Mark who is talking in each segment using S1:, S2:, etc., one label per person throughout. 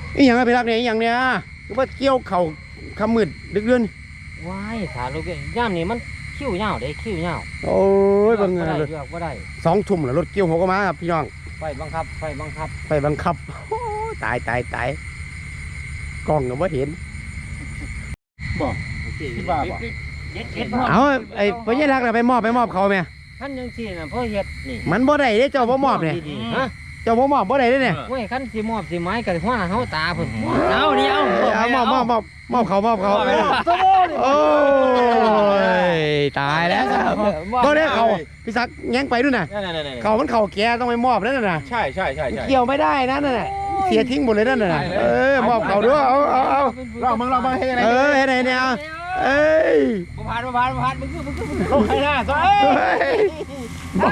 S1: อีหยังไปรักเนี่ยอีหยังเนี่ยหรือว่าเกี่ยวเข่าคำมืดดึกเดือน
S2: ว้ายขาลูกย่ามนี่มันคิ้วเหี่ยวได้คิ้วเหี่ยว
S1: โอ้ยบังเอิญเลย
S2: เลือกบ่ได้
S1: 2 ทุ่มแล้วรถเกี่ยวหัวก็มาครับพี่น้อง
S2: ไฟบังคับไฟบังคับ
S1: ไปบังคับโอ้ตายกล้องก็บ่เห็น
S3: บอกที่บ้าบ่
S1: เอาไอ้พญารักน่ะไปมอบเขาแม่
S2: ขั้นยังสี่น่ะพ่อเฮ็ดนี่
S1: มันบ่ได้เด้เจ้าบ่มอบเนี่ย
S2: ฮะ
S1: เจ้าบ่มอบบ่ได้เด้เนี่ย
S2: โอ้ยขั้นสิมอบสิไม้กับหัวเฮาตาเพิ่นเอานี่เอา
S1: เอามอบเขาโอ้ยตายแล้วครับบ่ได้เขาพี่ศักดิ์แง้งไปด้วยน่ะเขามันเข่าแกต้องไปมอบนั่นน่ะ
S3: ใช่
S1: เกี่ยวไม่ได้นั่นน่ะเสียทิ้งหมดเลยนั่นน่ะมอบเขาด้วยเอา
S3: ลองมาให้อะไร
S1: เฮ็ดไหนเนี่ยเอ้ย
S2: บ่ผ่านมึงคือ
S3: เขาใครหน้าซะ
S1: บ่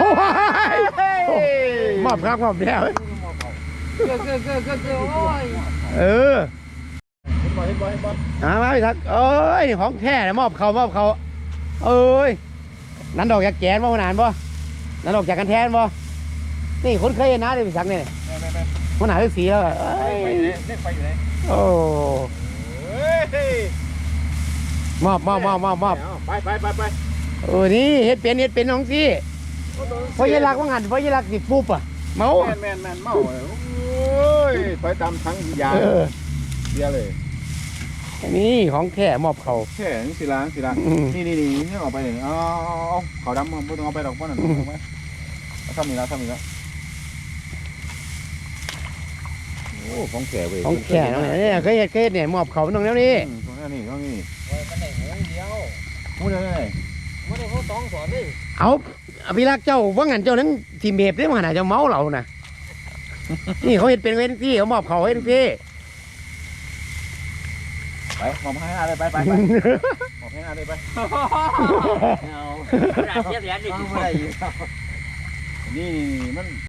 S1: มอบครับมอบแล้ว
S2: คือโอ้ย
S3: บอย
S1: มาพี่ศักดิ์เอ้ยนี่ของแท้มอบเขาเอ้ยนั้นดอกจากแกนบ่นานบ่นั้นดอกจากกันแทนบ่นี่คนเคยเห็นนะเดี๋ยวพี่ศักดิ์นี่มันหนาสีแล้วเอ้ย
S3: ไปอยู่ไหน
S1: โอ้มอบไปนี่เฮ็ดเป็นน้องสิพอยัรักว่างันพอยัรักสิปุ๊บอ่ะเมา
S3: แมนเมาโอ้ยถอยตามทั้งยาเบียเลย
S1: นี่ของแท้มอบเขา
S3: แค่นี่สิล้างนี่นี่ออกไปเลยเอาเขาดำมันไม่ต้องเอาไปดอกเพราะนั่นถูกไหมทำนี่แล้วโอ้ของแก่เว้ย
S1: ของแท้น้องเนี่ยเคยเฮ็ดเนี่ยมอบเขาน้องแล้วนี่
S3: ตรงนี้
S2: โอ้ยมันได้หูเดียว
S3: พูดได้
S2: บ่ได้หูสองสอนเลย
S1: เอาพี่รักเจ้าว่างันเจ้านั้นทีมเบฟได้มาหนาเจ้าเมาเราน่ะนี่เขาเฮ็ดเป็นเว้นที่เขามอบเขาเฮ็ดที่
S3: ไปมองให้หน้าเลยไปมองให้หน้าเลยไป
S2: เอาเสียเหรียญดิ
S3: นี่มัน